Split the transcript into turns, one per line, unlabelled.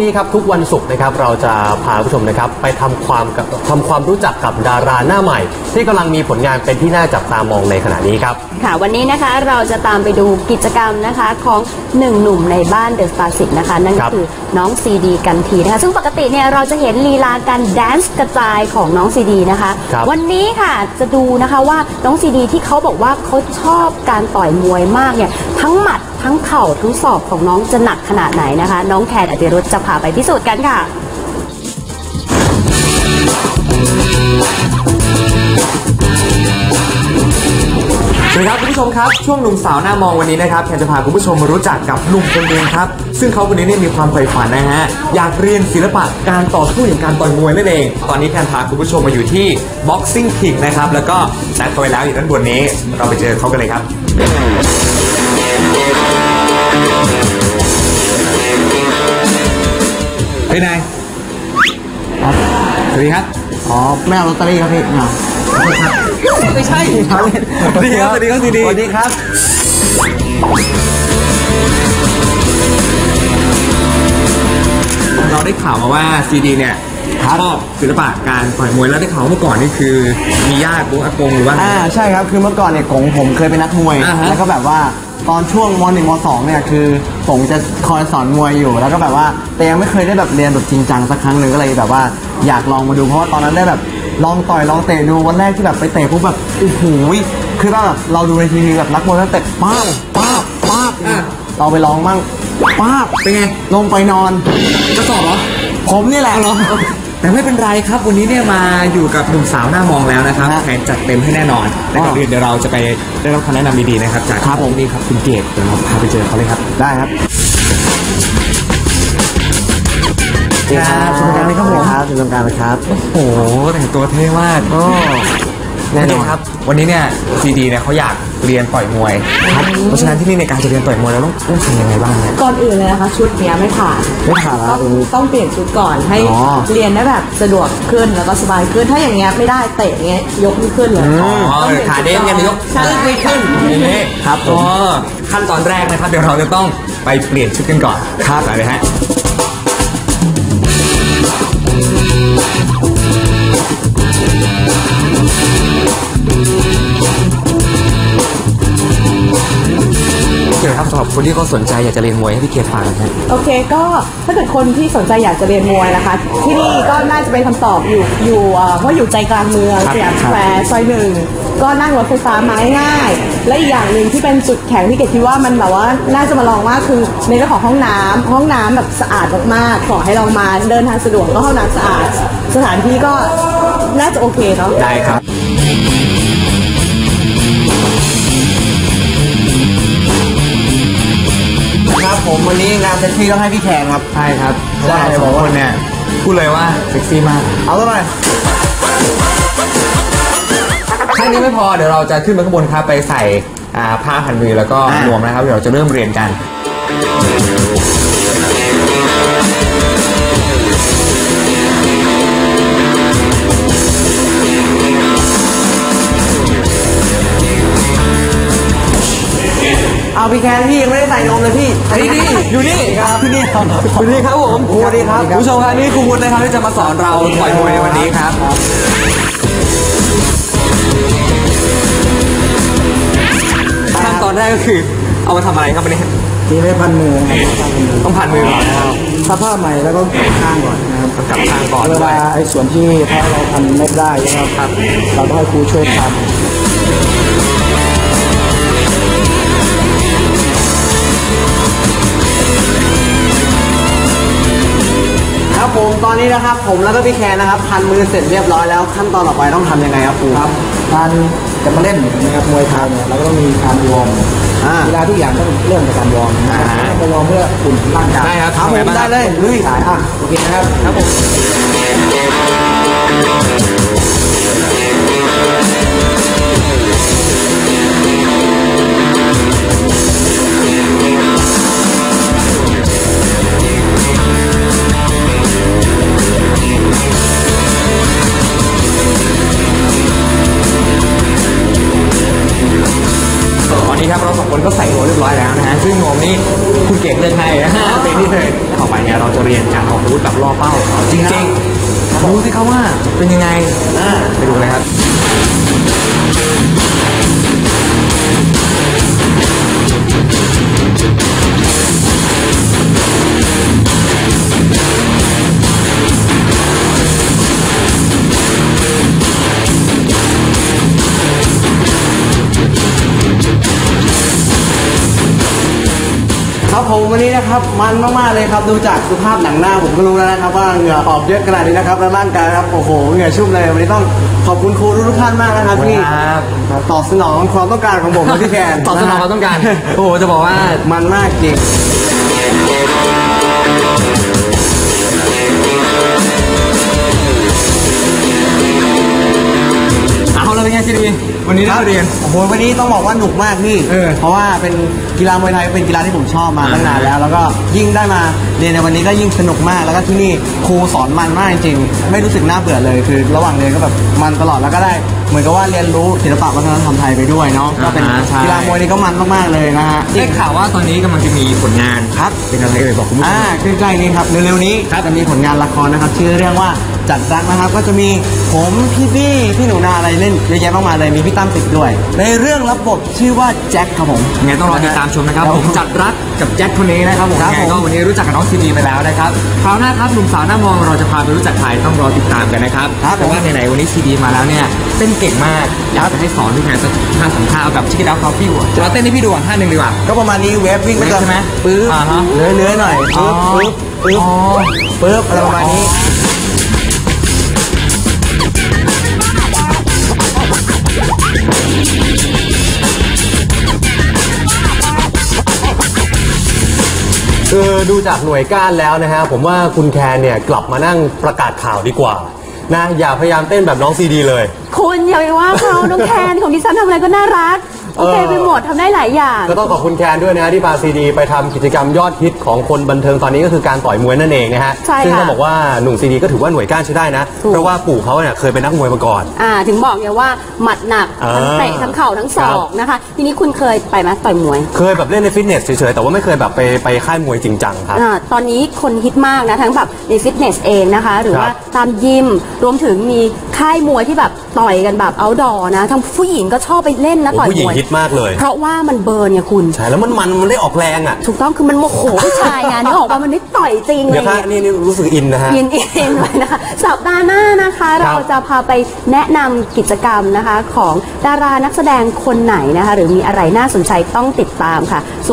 นี้ครับทุกวันศุกร์นะครับเราจะพาผู้ชมนะครับไปทำความรู้จักกับดาราหน้าใหม่ที่กำลังมีผลงานเป็นที่น่าจับตามองในขณะนี้ครับ
ค่ะวันนี้นะคะเราจะตามไปดูกิจกรรมนะคะของหนึ่งหนุ่มในบ้านเดอะสตาร์10นะคะนั่นก็คือน้องซีดีกันทีนะคะซึ่งปกติเนี่ยเราจะเห็นลีลาการแดนซ์กระจายของน้องซีดีนะคะวันนี้ค่ะจะดูนะคะว่าน้องซีดีที่เขาบอกว่าเขาชอบการต่อยมวยมากเนี่ยทั้งหมัดทั้งเข่าทั้งศอกของน้องจะหนักขนาดไหนนะคะน้องแคนอติรุธจะพาไปพิสูจน์กันค่ะ
สวัสดีครับคุณผู้ชมครับช่วงหนุ่มสาวหน้ามองวันนี้นะครับแคนจะพาคุณผู้ชมมารู้จักกับหนุ่มคนหนึ่งครับซึ่งเขาคนนี้เนี่ยมีความใฝ่ฝันนะฮะอยากเรียนศิลปะการต่อสู้อย่างการต่อยมวยนั่นเองตอนนี้แคนพาคุณผู้ชมมาอยู่ที่ Boxing King นะครับแล้วก็นัดเขาไว้แล้วอยู่ด้านบนนี้เราไปเจอเขากันเลยครับเฮ้ยนายครับสวัสดีครับ
อ๋อไม่เอาลอตเตอรี่ครับพี่
ไม่ใช่ครับสวัสดีครับสวัสดีครับสวัสดีครับเราได้ข่าวมาว่าซีดีเนี่ยชอบศิลปะการต่อยมวยแล้วได้ข่าวเมื่อก่อนนี่คือมีญาติอากงหรือว่า
ใช่ครับคือเมื่อก่อนเนี่ยผมเคยเป็นนักมวยแล้วก็แบบว่าตอนช่วงม.1 ม.2 เนี่ยคือผมจะคอยสอนมวยอยู่แล้วก็แบบว่าแต่ยังไม่เคยได้แบบเรียนแบบจริงจังสักครั้งหนึ่งก็เลยแบบว่าอยากลองมาดูเพราะว่าตอนนั้นได้แบบลองต่อยลองเตะดูวันแรกที่แบบไปเตะปุ๊บแบบโอ้โหคือแบบเราดูในทีวีแบบนักมวยแล้วเตะป้าบเราไปลองมั่งป้าบ
เป็นไง
ลงไปนอน
จะสอบเหรอ
ผมนี่แหละ
เหรอแต่ไม่เป็นไรครับวันนี้เนี่ยมาอยู่กับหนุ่มสาวหน้ามองแล้วนะครับแผนจัดเต็มให้แน่นอนและก่อนอื่นเดี๋ยวเราจะไปได้รับคำแนะนำดีๆนะครับจาก
ครับผม
นี่ครับคุณเกศเดี๋ยวเราพาไปเจอเขาเลยครับ
ได้ครับ
สวัสดีครับผม
ครับสวัสดีครับ
โอ้โหแต่งตัวเท่มากแน่นอนครับวันนี้เนี่ยซีดีเนี่ยเขาอยากเรียนต่อยมวยครับเพราะฉะนั้นที่นี่ในการจะเรียนต่อยมวยเราต้องทำยังไงบ้างเนี่ย
ก่อนอื่นเลยนะคะชุดเนี้ยไม่ผ่าน
แล้ว
ต้องเปลี่ยนชุดก่อนให้เรียนได้แบบสะดวกขึ้นแล้วก็สบายขึ้นถ้าอย่างเงี้ยไม่ได้เตะเงี้ยยกไม่ขึ้นเลย
ขาเด้งกันยกไม่ขึ้นอย่างนี้ครับขั้นตอนแรกนะครับเดี๋ยวเราจะต้องไปเปลี่ยนชุดกันก่อนครับไปเลยฮะเกี่ยวกับสำหรับคนที่เขาสนใจอยากจะเรียนมวยให้พี่เกียรติฟังนะ
โอเคก็ถ้าเกิดคนที่สนใจอยากจะเรียนมวยนะคะที่นี่ก็น่าจะเป็นคำตอบอยู่เพราะอยู่ใจกลางเมืองสยามสแควร์ซอย1ก็นั่งรถไฟฟ้ามาง่ายและอีกอย่างหนึ่งที่เป็นจุดแข็งที่เกดคิดว่ามันแบบว่าน่าจะมาลองมากคือในเรื่องของห้องน้ำแบบสะอาดมากๆขอให้ลองมาเดินทางสะดวกก็ห้องน้ำสะอาดสถานที่ก็น่าจะโอเคเนาะ
ได้ครับ
ครับผมวันนี้งานเซ็กซี่ต้องให้พี่แขกครับ
ใช่ครับเพราะว่าสองคนเนี่ยพูดเลยว่าเซ็กซี่มาก
เอาตัวหน่อย
แค่นี้ไม่พอเดี๋ยวเราจะขึ้นไปข้างบนครับไปใส่ผ้าพันมือแล้วก็นวมนะครับเดี๋ยวเราจะเริ่มเรียนกัน
เอาพี่แคนพี่ยังไม่ได้ใส่นมเลยพี่
นี่อยู่นี่
ครับที่นี่ครับ
อยู่นี่ครับผม
สวัสดีครับ
ผู้ชมครับนี่ครูวุฒินะครับที่จะมาสอนเราต่อยมวยในวันนี้ครับขั้นตอนแรกก็คือเอามาทำอะไรครับวันนี้
ทีไม่พันมือ
ต้องพันมือก่อนนะครับ
ซับผ้าใหม่แล้วก็ข้างก่อนนะครับ
กับข้างก่อน
เวลาไอ้ส่วนที่ถ้าเราพันไม่ได้นะครับเราต้องให้ครูช่วยทำครับผมตอนนี้นะครับผมแล้วก็พี่แคนนะครับพันมือเสร็จเรียบร้อยแล้วขั้นตอนต่อไปต้องทำยังไงครับครูครับการจะมาเล่นนะครับมวยไทยเนี่ยเราก็ต้องมีการวอร์มเวลาทุกอย่างต้องเริ่มจากการวอร์มไปวอร์มเพื่ออุ่นร่างกาย
ได้ครับ
ผมได้เลยลุยโอเคนะครับครับผม
เราสองคนก็ใส่หัวเรียบร้อยแล้วนะฮะซึ่งนวมนี่คุณเก่งเลือกให้นะฮะเป็นที่เลยต่อไปเนี่ยเราจะเรียนกันการออกอาวุธแบบล่อเป้าจริงๆดูสิครับว่าเป็นยังไงไปดูเลยครับ
ครับผมวันนี้นะครับมันมากๆเลยครับดูจากสภาพหนังหน้าผมก็รู้แล้วนะครับว่าเหงื่อออกเยอะขนาดนี้นะครับแล้วร่างกายครับโอ้โหเหงื่อชุ่มเลยวันนี้ต้องขอบคุณครูทุกท่านมากนะครับที่ตอบสนองความต้องการของผมและพี่แคน
ตอบสนองความต้องการ โอ้โหจะบอกว่า
มันมากจริง
เอาแล้วเป็นไงซีดีวันนี้ได้เรียน
โอ้โหวันนี้ต้องบอกว่าหนุกมากพี่เพราะว่าเป็นกีฬามวยไทยเป็นกีฬาที่ผมชอบมาตั้งนานแล้วแล้วก็ยิ่งได้มาเรียนในวันนี้ก็ยิ่งสนุกมากแล้วก็ที่นี่ครูสอนมันมากจริงไม่รู้สึกน่าเบื่อเลยคือระหว่างเรียนก็แบบมันตลอดแล้วก็ได้เหมือนกับว่าเรียนรู้ศิลปะวัฒนธรรมไทยไปด้วยเนาะก็เป็นกีฬามวยนี่ก็มันมากๆเลยนะฮะ
ได้ข่าวว่าตอนนี้กำลังจะมีผลงานครับเป็นอะไรเอ่ยบอกคุณผู้ชม
ใกล้ๆนี้ครับเร็วๆนี้จะมีผลงานละครนะครับชื่อเรื่องว่าจัดรักนะครับก็จะมีผมพี่หนูนาอะไรเล่นเยอะแยะมากมายเลยมีพี่ตั้มติดด้วยในเรื่องรับบทชื่อว่าแจ็คครับผม
ไงต้องรอติดตามชมนะครับผมจัดรักกับแจ็คคนนี้นะครับผม
ครับ
ไง
ผม
ก็วันนี้รู้จักกับน้องซีดีไปแล้วนะครับคราวหน้าครับหนุ่มสาวหน้ามองเราจะพาไปรู้จักใครต้องรอติดตามกันนะครับแต่ว่าไหนๆวันนี้ซีดีมาแล้วเนี่ยเต้นเก่งมากอยากจะให้สอนพี่แทนสักท่าสองท่าเอาแบบชิคกี้พายคอฟฟี่เราเต้นให้พี่ดูท่าหนึ่งดีกว่า
ก็ประมาณนี้เวฟวิ่งไปก่อน
ใช่ไหม
ปื๊บ
ฮะ
เลื้อยๆหน่อยปึ๊บอะไรประมาณนี้
คือดูจากหน่วยก้านแล้วนะฮะผมว่าคุณแคนเนี่ยกลับมานั่งประกาศข่าวดีกว่านะอย่าพยายามเต้นแบบน้องซีดีเลย
คุณอย่าไปว่าเขาน้องแคนของดิฉันทำอะไรก็น่ารักโอเคไปหมดทำได้หลายอย่าง
ก็ต้องขอบคุณแคนด้วยนะที่พาซีดีไปทำกิจกรรมยอดฮิตของคนบันเทิงตอนนี้ก็คือการต่อยมวยนั่นเองนะฮะ
ใช่ค่ะ
ซึ่งต้องบอกว่าหนุ่มซีดีก็ถือว่าหน่วยก้านใช้ได้นะ
ถูก
เพราะว่าปู่เขาเนี่ยเคยเป็นนักมวยมาก่อน
ถึงบอกไงว่าหมัดหนักทั้งเตะทั้งเข่าทั้งศอกนะคะทีนี้คุณเคยไปไหมต่อยมวย
เคยแบบเล่นในฟิตเนสเฉยๆแต่ว่าไม่เคยแบบไปค่ายมวยจริงจังครับ
ตอนนี้คนฮิตมากนะทั้งแบบในฟิตเนสเองนะคะหรือว่าตามยิมรวมถึงมีค่ายมวยที่แบบต่อยกันแบบเอาท์ดอร์นะทั้งผู้หญิงก็ชอบไปเล่นนะต่อย
ผู้หญิ
ม
ง
วย
ฮิตมากเลย
เพราะว่ามันเบิร์นไงคุณ
ใช่แล้วมันได้ออกแรงอ่ะ
ถูกต้องคือมันโมโหผู้ชายไงนึกออกว่ามันไม่ต่อยจริงเล
เดี๋ย
ยว
ค่ะนี่รู้สึกอินนะฮะ
เย็นๆไว้นะคะสัปดาห์หน้านะคะ
ครับ
เราจะพาไปแนะนำกิจกรรมนะคะของดารานักแสดงคนไหนนะคะหรือมีอะไรน่าสนใจต้องติดตามค่ะ